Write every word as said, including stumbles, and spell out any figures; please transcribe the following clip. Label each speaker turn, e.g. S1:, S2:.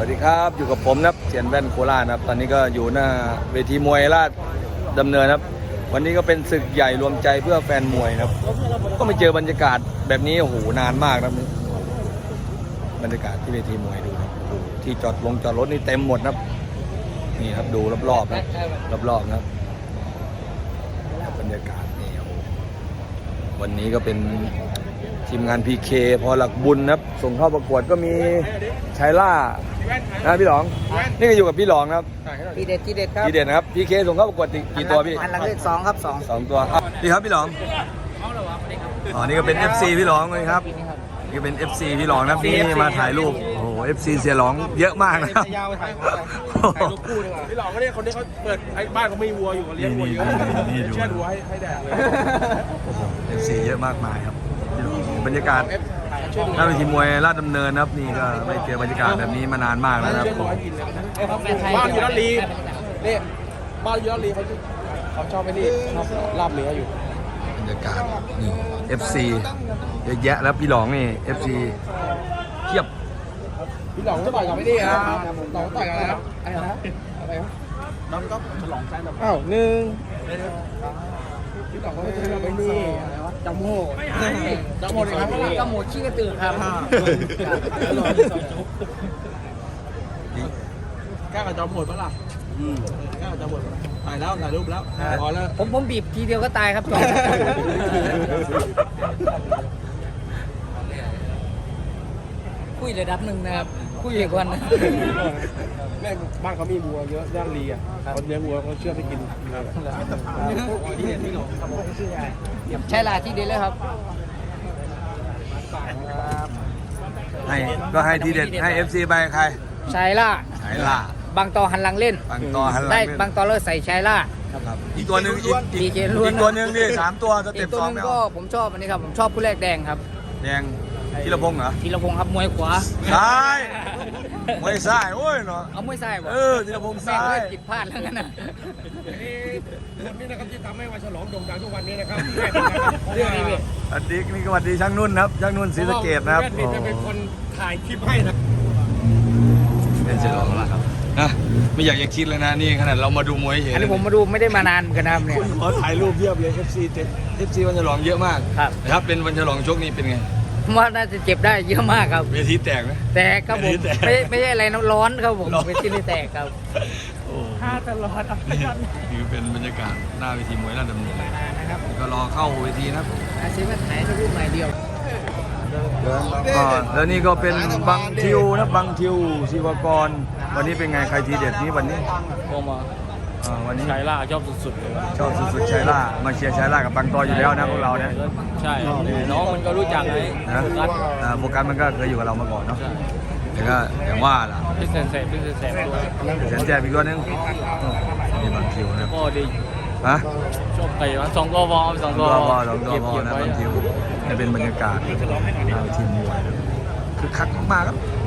S1: วัสดีครับอยู่กับผมนะครับเสียนแว่นโคราชนะครับตอนนี้ก็อยู่หน้าเวทีมวยราชดำเนินครับวันนี้ก็เป็นศึกใหญ่รวมใจเพื่อแฟนมวยนะครับก็ไม่เจอบรรยากาศแบบนี้โอ้โหนานมากนะบรรยากาศที่เวทีมวยดูนะที่จอดลงจอดรถนี่เต็มหมดนะครับนี่ครับดูรอบๆนะรอบๆนะครับบรรยากาศนี่วันนี้ก็เป็นทีมงาน พี เค พอหลักบุญนะครับส่งเข้าประกวดก็มีชัยล่านะพี่หลองนี่ก็อยู่กับพี่หลองนะครับ
S2: ทีเด็ดทีเด็ดครับ
S1: ทีเด็ดนะครับ พี เค ส่งเข้าประกวดกี่ตัวพี่
S2: อันหลังเลขสองครับสอง
S1: สองตัวพี่ครับพี่หลองอ๋อนี่ก็เป็น เอฟ ซี พี่หลองเลยครับนี่ก็เป็น เอฟ ซี พี่หลองนะครับนี่มาถ่ายรูปโอ้โห เอฟ ซี เสียหลองเยอะมากนะครับ
S3: ยาวถ่ายรูปคู่ดีกว่าพี่หลองก็เนี่ยคนที่เขาเปิดไอ้บ้านเขาไม่วัวอยู่เลี้ยงวัวอยู่เชื่อดูให้ให้แดกเลย
S1: โอ้โห เอฟ ซี เยอะมากมายครับบรรยากาศหน้าเวทีมวยราชดำเนินนะครับนี่ก็ไม่เจอบรรยากาศแบบนี้มานานมากแล้วนะครับ
S3: บ้านอยู่ลาดลีนี่บ้านอยู่ลาดลีเขาเขาชอบไอ้นี่ชอบลาบเนื้ออยู่
S1: บรรยากาศนี่ เอฟ ซี เยอะแยะแล้วพี่หลองนี่ เอฟ ซี เทียบ
S3: พี่หลองจะต่อยกับไอ้นี่อ่ะหลองต่อยกับอะไรครับอะไรนะอะไรครับน้องก็ฉลองใจแบบอ้าวหนึ่งพี่หลองก็จะทำไอ้นี่อะไรวะจำโม่จำโม่เลยครับ
S2: จำโม่ขี้กระตือครับ
S3: แก้กับจำโม่ปะล่ะแก้กับจำโม่ถ่ายแล้วถ่ายรูปแล้วพอแล้ว
S2: ผมผมบีบทีเดียวก็ตายครับจอมคุยระดับหนึ่งนะครับคุยอีกวันนะ
S3: แม่บ้านเขามีวัวเยอะย่างลีอ่ะเขาเลี้ยงวัวเขาเชื่อให้กิน
S2: ใช่ลาที่เด็ดเลยครับ
S1: ให้ก็ให้ทีเด็ดให้ เอฟ ซี ไปใคร
S2: ชายล่า
S1: ชายล่า
S2: บางตอหันหลังเล่น
S1: บางตอหันหลัง
S2: ได้บางตอเลิศใส่ชายล่า
S1: ครับอีกตัวหนึ่งอีกอีกตัวหนึ่งนี่สามตัวสเต็ปสองแล้ว
S2: ก็ผมชอบอันนี้ครับผมชอบผู้แรกแดงครับ
S1: แดงธีรพงษ์เหรอ
S2: ธีรพงษ์ครับมวยขวา
S1: ซ้ายมวยซ้ายโอ้ยเนาะ
S2: เอามวยซ้าย
S1: เออธีรพงษ์ซ้าย
S2: ผิดพลาดแล้วกันนะ
S3: นี่คนนี้นะครับที่ทำให้วันฉลองโด่งดังทุกวันนี้นะครับ
S1: อันดิกนี่ก็วันดีช่างนุ่นครับช่างนุ่นศรีสะเกษนะครับ
S3: แม่จะเป็นคนถ่ายคลิปให้นะ
S1: เป็นเฉลองแล้วครับนะไม่อยากจะคิดเลยนะนี่ขนาดเรามาดูมวยเห็น
S2: อันนี้ผมมาดูไม่ได้มานานเหมือนกันนะเนี่ย
S1: ขอถ่ายรูปเพียบเลย เอฟ ซี เอฟ ซี วันฉลองเยอะมาก
S2: ครับ
S1: นะครับเป็นวันฉลองชกนี้เป็นไง
S2: ว่าน่าจะเจ็บได้เยอะมากครับ
S1: เวทีแตกไหม
S2: แตกครับผมไม่ไม่ใช่อะไรน้ำร้อนครับผมเวทีไม่แตกครับ
S1: โอ้
S2: ถ้าตลอด
S1: นี่เป็นบรรยากาศหน้าเวทีมวยราชดำเนินนะครับก็รอเข้าเวทีนะครับ
S2: อาชีพมาถ่ายรูปใหม่เดียว
S1: แล้วนี่ก็เป็นบังทิวนะบังทิวศิวกรวันนี้เป็นไงใครทีเด็ดนี้วันนี้
S3: ก็มา
S1: วันนี้
S3: ชัยล่าชอบสุดๆเลย
S1: ชอบสุดๆชัยล่ามาเชียร์ชัยล่ากับบังตออยู่แล้วนะพวกเราเนี่ย
S3: ใช่น้องมันก็รู้จักไง
S1: นะโฟกัสมันก็เคยอยู่กับเรามาก่อนเนาะแต่ก็อย่างว่าล่ะ
S3: พี่เซนเซ่พี่เซนเซ่ด้วย
S1: เซนเซ่อีกตัวนึงนี่บังทิวนะ
S3: ก็ดี
S1: ฮะ
S3: ชอบไปวะสองตัวบอลสองตัว
S1: บอลสองตัวบอลนะบังทิวนี่เป็นบรรยากาศทีมมวยคือคักมากครับ